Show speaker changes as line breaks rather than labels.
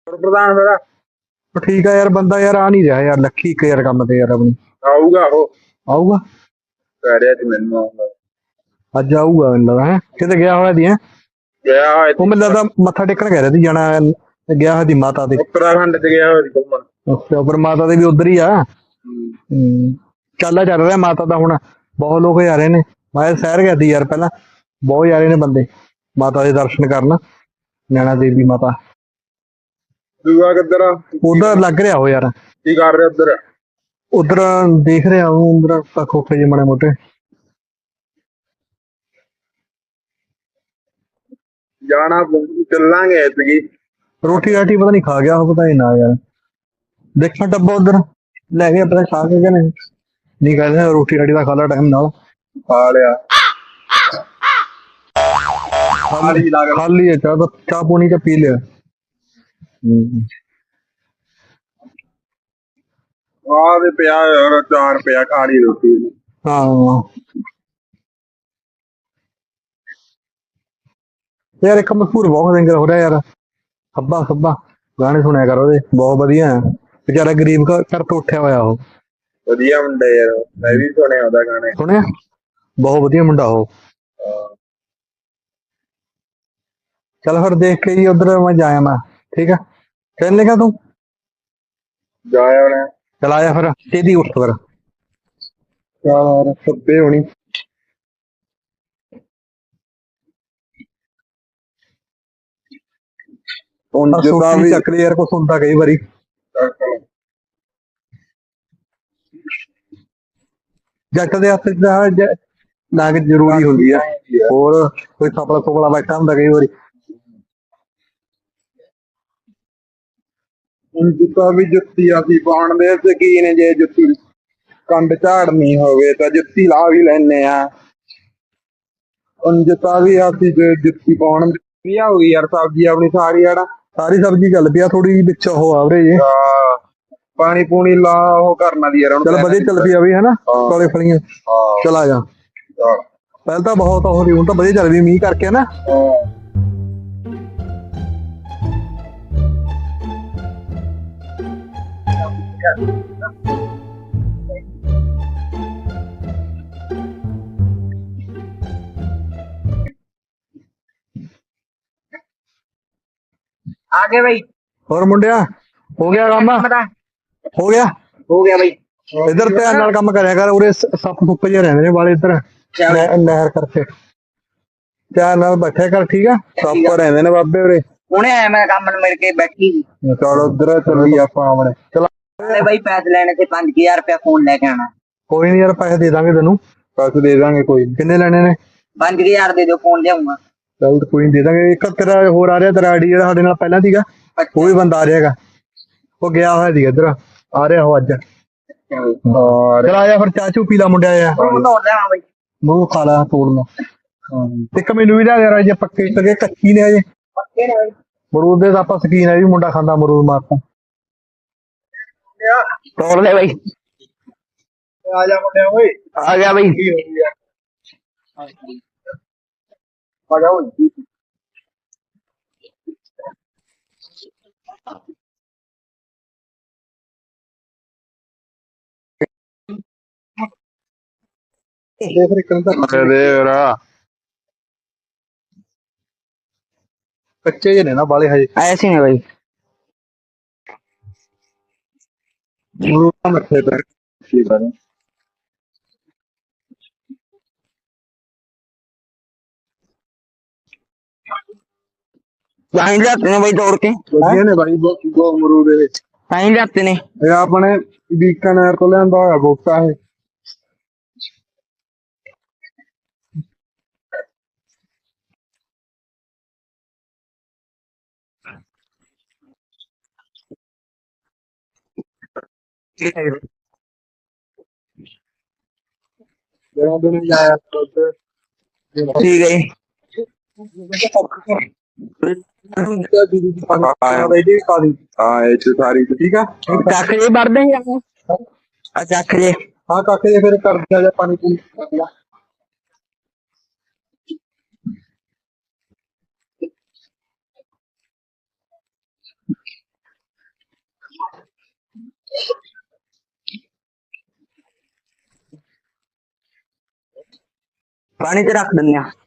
ਪ੍ਰਧਾਨ ਮੇਰਾ
ਠੀਕ ਆ ਯਾਰ, ਬੰਦਾ ਯਾਰ ਆ ਨਹੀਂ ਰਿਹਾ ਯਾਰ, ਲੱਖੀ ਇੱਕ ਯਾਰ ਕੰਮ ਤੇ ਯਾਰ ਆਪਣੀ।
ਆਊਗਾ ਉਹ,
ਆਊਗਾ
ਕਹਿ ਰਿਹਾ ਸੀ ਮੈਨੂੰ ਆਊਗਾ।
ਅੱਜ ਆਊਗਾ ਮੈਨੂੰ ਲੱਗਦਾ। ਹੈ ਕਿਤੇ ਗਿਆ ਹੋਇਆ ਦੀ? ਹੈ
ਗਿਆ ਹੋਇਆ
ਉਹ ਮੈਨੂੰ ਲੱਗਦਾ ਮੱਥਾ ਟੇਕਣ ਕਹਿ ਰਿਹਾ ਸੀ ਜਾਣਾ, ਗਿਆ ਹੋਇਆ ਦੀ ਮਾਤਾ ਦੇ।
ਉੱਤਰਾਖੰਡ ਚ ਗਿਆ ਹੋਇਆ ਸੀ ਘੁੰਮਣ।
ਅੱਛਾ, ਪਰ ਮਾਤਾ ਦੇ ਵੀ ਉਧਰ ਹੀ ਆ। ਚੱਲ ਰਿਹਾ ਮਾਤਾ ਦਾ ਹੁਣ, ਬਹੁਤ ਲੋਕ ਜਾ ਰਹੇ ਨੇ। ਮੈਂ ਸ਼ਹਿਰ ਗਿਆ ਸੀ ਯਾਰ ਪਹਿਲਾਂ, ਬਹੁਤ ਜਾ ਰਹੇ ਨੇ ਬੰਦੇ ਮਾਤਾ ਦੇ ਦਰਸ਼ਨ ਕਰਨ, ਨੈਣਾ ਦੇਵੀ ਮਾਤਾ।
ਦੂਆ ਕਿੱਧਰ ਆ?
ਉਧਰ ਲੱਗ ਰਿਹਾ ਉਹ ਯਾਰ।
ਕੀ ਕਰ ਰਿਹਾ ਉੱਧਰ?
ਉਧਰ ਦੇਖ ਰਿਹਾ ਉਹ, ਉਧਰ ਖੋਖੇ ਜਿਹੇ ਮਾੜੇ ਮੋਟੇ।
ਜਾਣਾ ਚੱਲਾਂਗੇ ਐਤਕੀ।
ਰੋਟੀ ਰਾਟੀ ਪਤਾ ਨਹੀਂ ਖਾ ਗਿਆ ਉਹ, ਪਤਾ ਹੀ ਨਾ ਯਾਰ। ਦੇਖਾਂ ਡੱਬਾ ਉਧਰ ਲੈ ਕੇ ਪਤਾ ਖਾ ਕੇ ਕਹਿੰਦੇ ਨਹੀਂ, ਕਹਿੰਦੇ ਰੋਟੀ ਰਾਟੀ ਦਾ ਖਾ ਲਾ ਟਾਈਮ ਨਾਲ।
ਖਾ ਲਿਆ
ਖਾਲੀ ਹੈ ਚਾਹ, ਚਾਹ ਪੂਣੀ ਤਾਂ ਪੀ ਲਿਆ।
ਆਹ ਤੇ ਪਿਆ ਯਾਰ, 4 ਰੁਪਇਆ ਖਾ ਲਈ ਰੋਟੀ।
ਹਾਂ ਯਾਰ, ਇੱਕ ਮਸ਼ਹੂਰ ਬਹੁਤ ਸਿੰਗਰ ਹੋ ਰਿਹਾ ਯਾਰ, ਖੱਬਾ ਖੱਬਾ। ਗਾਣੇ ਸੁਣਿਆ ਕਰ ਉਹਦੇ, ਬਹੁਤ ਵਧੀਆ। ਵਿਚਾਰਾ ਗਰੀਬ ਘਰ ਤੋਂ ਉੱਠਿਆ ਹੋਇਆ ਉਹ।
ਵਧੀਆ ਮੁੰਡਾ ਯਾਰ, ਮੈਂ ਵੀ ਸੁਣਿਆ ਉਹਦਾ ਗਾਣੇ।
ਸੁਣਿਆ? ਬਹੁਤ ਵਧੀਆ ਮੁੰਡਾ ਉਹ। ਚੱਲ ਫਿਰ ਦੇਖ ਕੇ ਜੀ ਉਧਰ ਮੈਂ ਜਾਇਆ ਮੈਂ। ਠੀਕ ਆ, ਚੱਲ ਲੇਗਾ ਤੂੰ?
ਜਾਇਆ ਉਹਨੇ।
ਚਲ ਆਇਆ ਫਿਰ, ਤੇਦੀ ਉੱਠ ਫਿਰ। ਯਾਰ ਸੱਬੇ ਹੋਣੀ। ਵੀ ਚੱਕ ਲਈ ਯਾਰ, ਕੁਛ ਹੁੰਦਾ ਕਈ ਵਾਰੀ। ਜੱਟ ਦੇ ਹੱਥ ਚ ਲੱਗ ਜ਼ਰੂਰੀ ਹੁੰਦੀ ਆ, ਹੋਰ ਕੋਈ ਸਪਲਾ ਸੁਪਲਾ ਬੈਠਾ ਹੁੰਦਾ ਕਈ ਵਾਰੀ।
ਜੁੱਤਾ ਵੀ ਜੁੱਤੀ ਅਸੀਂ ਪਾਉਣ ਦੇ ਸ਼ਕੀਨ, ਜੇ ਜੁੱਤੀ ਕੰਡ ਝਾੜਨੀ ਹੋਵੇ ਤਾਂ ਜੁੱਤੀ ਲਾ ਵੀ ਲੈਨੇ ਆ। ਜੁੱਤਾ ਵੀ ਅਸੀਂ ਜੁੱਤੀ ਪਾਉਣ ਦੀ ਹੋ ਗਈ ਯਾਰ। ਸਬਜ਼ੀ ਆਪਣੀ ਸਾਰੀ
ਸਾਰੀ ਸਬਜ਼ੀ ਚੱਲ ਪਿਆ, ਥੋੜੀ ਜਿਹੀ ਵਿੱਚ ਉਹ ਆਵਰੇ ਜੇ
ਪਾਣੀ ਪੂਣੀ ਲਾ ਉਹ ਕਰਨਾ ਦੀ ਯਾਰ।
ਚੱਲ ਵਧੀਆ ਚੱਲ ਪਈ ਆ ਵੀ, ਹਨਾ ਕਾਲੇ ਫਲੀਆਂ। ਚਲ ਆ ਜਾ, ਪਹਿਲਾਂ ਤਾਂ ਬਹੁਤ ਉਹ ਹੁਣ ਤਾਂ ਵਧੀਆ ਚੱਲ ਪਈ ਮੀਂਹ ਕਰਕੇ ਨਾ।
आ गए भाई।
ਹੋਰ ਮੁੰਡਿਆ, ਹੋ ਗਿਆ ਕੰਮ? ਹੋ ਗਿਆ
भाई।
ਇੱਧਰ ਧਿਆਨ ਨਾਲ ਕੰਮ ਕਰਿਆ ਕਰ, ਉਰੇ ਸੱਪ ਸੁੱਪ ਜਿਹੇ ਰਹਿੰਦੇ ਨੇ ਵਾਲੇ ਇੱਧਰ ਨਹਿਰ ਕਰਕੇ। ਧਿਆਨ ਨਾਲ ਬੈਠਿਆ ਕਰ, ਠੀਕ ਆ? ਸੱਪ ਰਹਿੰਦੇ ਨੇ ਬਾਬੇ ਉਰੇ।
ਹੁਣੇ ਆਇਆ मैं काम मिल के बैठी।
ਚਲ ਉਧਰ ਚੱਲੀ ਆਪਾਂ ਆਪਣੇ। ਚਲ
भाई पैसे लेने थे 5000 रुपया फोन लेके आना।
ਕੋਈ ਨੀ ਯਾਰ, ਪੈਸੇ ਦੇ ਦਾਂਗੇ ਤੈਨੂੰ,
ਪੈਸੇ ਦੇ ਦਾਂਗੇ। ਕੋਈ ਨੀ।
ਕਿੰਨੇ ਲੈਣੇ ਨੇ?
5000 दे दो फोन जाऊंगा।
ਚੱਲ ਕੋਈ ਨੀ, ਦੇ ਦਾਂਗੇ। ਇੱਕ ਤੇਰਾ ਹੋਰ ਆ ਰਿਹਾ, ਤੇਰਾ ਆਈਡੀ ਜਿਹੜਾ ਸਾਡੇ ਨਾਲ ਪਹਿਲਾਂ ਸੀਗਾ, ਉਹ ਵੀ ਬੰਦਾ ਆ ਰਿਹਾਗਾ। ਉਹ ਗਿਆ ਹੋਇਆ ਸੀ ਇੱਧਰ, ਆ ਰਿਹਾ ਉਹ ਅੱਜ। ਚਲ ਆ ਜਾ ਫਿਰ, ਚਾਹ ਚੂ ਪੀ ਲਾ ਮੁੰਡਿਆ ਯਾਰ,
भाई
ਮੂੰਹ ਖਾ ਲਾ ਤੋੜਨਾ। ਇੱਕ ਮੈਨੂੰ ਵੀ ਲਿਆ ਯਾਰ, ਜੇ ਪੱਕੇ ਸਕੇ ਕੱਚੀ ਨੇ ਅਜੇ। ਮਰੂਦ ਦੇ ਤਾਂ ਆਪਾਂ ਸ਼ਕੀਨ ਹੈ ਵੀ, ਮੁੰਡਾ ਖਾਂਦਾ ਮਰੂਦ ਮਾਰਤਾ।
तोड़ ले भाई।
ਆ ਜਾ ਮੁੰਡਿਆ ਓਏ।
आ गया भाई।
ਆ ਜਾ ਓਏ।
ਦੇਖ ਇੱਕ ਕੱਚੇ ਜਿਹੇ ਨੇ ਨਾ ਬਾਲੇ ਹਜੇ।
ऐसे नहीं भाई।
ਮਰੂਦ ਮਿੱਠੇ ਤੇ
वहीं जाते ने भाई तोड़ के।
ਵਧੀਆ ਨੇ ਬਾਈ, ਦੋ ਮਰੂਦ ਦੇ ਵਿੱਚ।
वहीं जाते ने।
ਇਹ ਆਪਣੇ ਬੀਕਾਨੇਰ ਤੋਂ ਲਿਆਂਦਾ ਹੋਇਆ ਬੂਟਾ ਇਹ।
ठीक है।
ਹਾਂ ਇਹ ਚ ਸਾਰੀ
ਠੀਕ ਆ,
ਚੱਕ ਜੇ ਵੜਦੇ ਆ ਚੱਕ ਜੇ।
ਹਾਂ ਕਾਕੇ ਜੇ ਫਿਰ ਕਰ ਦਿਆ ਜਾ ਪਾਣੀ ਪੂਣੀ।
ਪਾਣੀ ਤੇ ਰੱਖ ਦਿੰਦੇ ਆ